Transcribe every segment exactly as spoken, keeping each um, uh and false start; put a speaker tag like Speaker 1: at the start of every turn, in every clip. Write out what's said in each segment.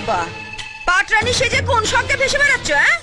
Speaker 1: বাবা, পাটরানী সেজে কোন স্বর্গে ভেসে বেড়াচ্ছ? হ্যাঁ,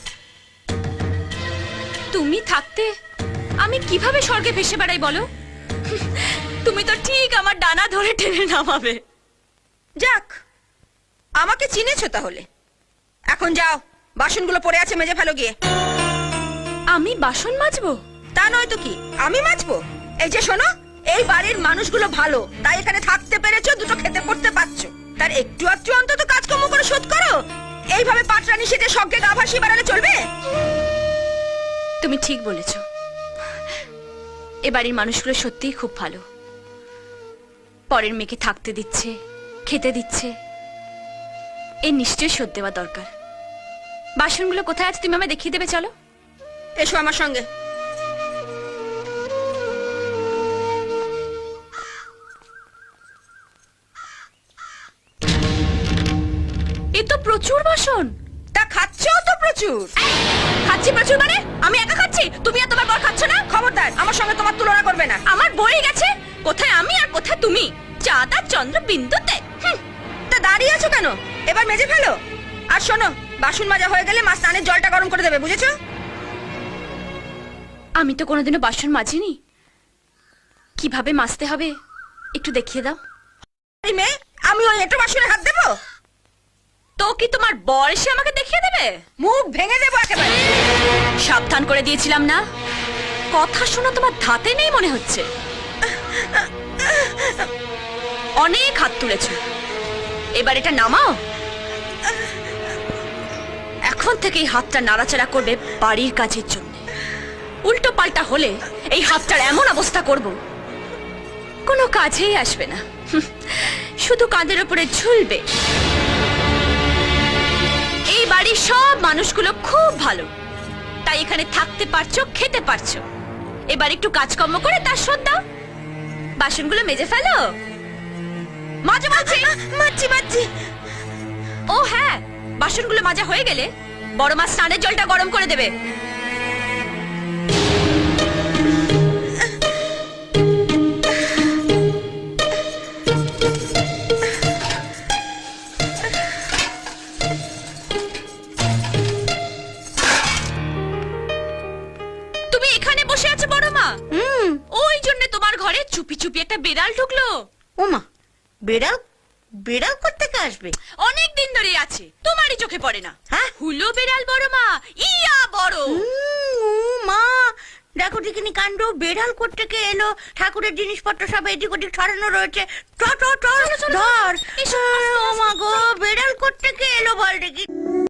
Speaker 2: তুমি থাকতে আমি কিভাবে স্বর্গে ভেসে বেড়াই বলো? তুমি তো ঠিক আমার ডানা ধরে টেনে নামাবে।
Speaker 1: যাক, আমাকে চিনেছো তাহলে। এখন যাও, বাসনগুলো পড়ে আছে, মেজে ফেলো গিয়ে।
Speaker 2: আমি বাসন মাজবো?
Speaker 1: তা নয় তো কি, আমি মাজবো? এই যে শোনো, এই বাড়ির মানুষগুলো ভালো, তাই এখানে থাকতে পেরেছো, দুটো খেতে পড়তে পারছো। তার একটু একটু অন্তত কাজকর্ম করে শোধ করো। এইভাবে পাটরানী সেজে স্বর্গে গা ভাসিয়ে বেড়ালে চলবে?
Speaker 2: তুমি ঠিক বলেছো, এ বাড়ির মানুষগুলো সত্যিই খুব ভালো। পরের মেয়েকে থাকতে দিচ্ছে, খেতে দিচ্ছে, এ নিশ্চয়ই শোধ দেওয়া দরকার। বাসনগুলো কোথায় আছে তুমি আমায় দেখিয়ে দেবে, চলো।
Speaker 1: এসো আমার সঙ্গে।
Speaker 2: এ তো প্রচুর বাসন।
Speaker 1: তা খাচ্ছো তো প্রচুর।
Speaker 2: খাচ্ছি প্রচুর মানে? আমি একা খাচ্ছি, তুমি আর তোমার বর খাচ্ছ না?
Speaker 1: খবরদার, আমার সঙ্গে তোমার তুলনা করবে না।
Speaker 2: আমার বই গেছে, কোথায় আমি আর কোথায় তুমি, চাঁদা চন্দ্র বিন্দুতে।
Speaker 1: তা দাঁড়িয়ে আছো কেন? এবার মেজে ফেলো। আর শোনো, বাসন মাজা হয়ে গেলে মা স্নানের জলটা গরম করে দেবে, বুঝেছো?
Speaker 2: আমি তো কোনোদিনও বাসন মাজিনি, কিভাবে মাজতে হবে একটু দেখিয়ে দাও।
Speaker 1: মেয়ে, আমি ওই এঁটো বাসনে হাত দেবো?
Speaker 2: তো কি তোমার বর এসে আমাকে দেখিয়ে দেবে?
Speaker 1: মুখ ভেঙে দেবো একেবারে।
Speaker 2: সাবধান করে দিয়েছিলাম না? কথা শোনা তোমার ধাতে নেই মনে হচ্ছে। অনেক হাত তুলেছ, এবার এটা নামাও। এখন থেকে এই হাতটা নাড়াচাড়া করবে বাড়ির কাজের জন্য। উল্টো পাল্টা হলে এই হাতটার এমন অবস্থা করব, কোনো কাজেই আসবে না, শুধু কাঁধের উপরে ঝুলবে। এই বাড়ির সব মানুষগুলো খুব ভালো, তাই এখানে থাকতে পারছো, খেতে পারছো। এবার একটু কাজকর্ম করে তার শোধ দাও। বাসনগুলো মেজে ফেলো। মাজা মাঝে
Speaker 1: মাছি মাছি।
Speaker 2: ও হ্যাঁ, বাসনগুলো মাজা হয়ে গেলে বড় মা স্নানের জলটা গরম করে দেবে। তুমি এখানে বসে আছো বড় মা?
Speaker 1: হুম।
Speaker 2: ওই জন্য তোমার ঘরে চুপি চুপি একটা বিড়াল ঢুকলো।
Speaker 1: ওমা, বেড়াল? বেড়াল কোত্থেকে আসবে?
Speaker 2: অনেক দিন ধরে আছে, তোমারই চোখে পড়ে না।
Speaker 1: হ্যাঁ?
Speaker 2: হুলো বিড়াল বড় মা, ইয়া বড়।
Speaker 1: ও মা, দেখো দেখিনি কাণ্ড। বেড়াল কোত্থেকে এলো? ঠাকুরের জিনিসপত্র সব এদিক ওদিক ছড়ানো রয়েছে। ট ট ট ধর। ও মা গো, বেড়াল কোত্থেকে এলো বল দেখি।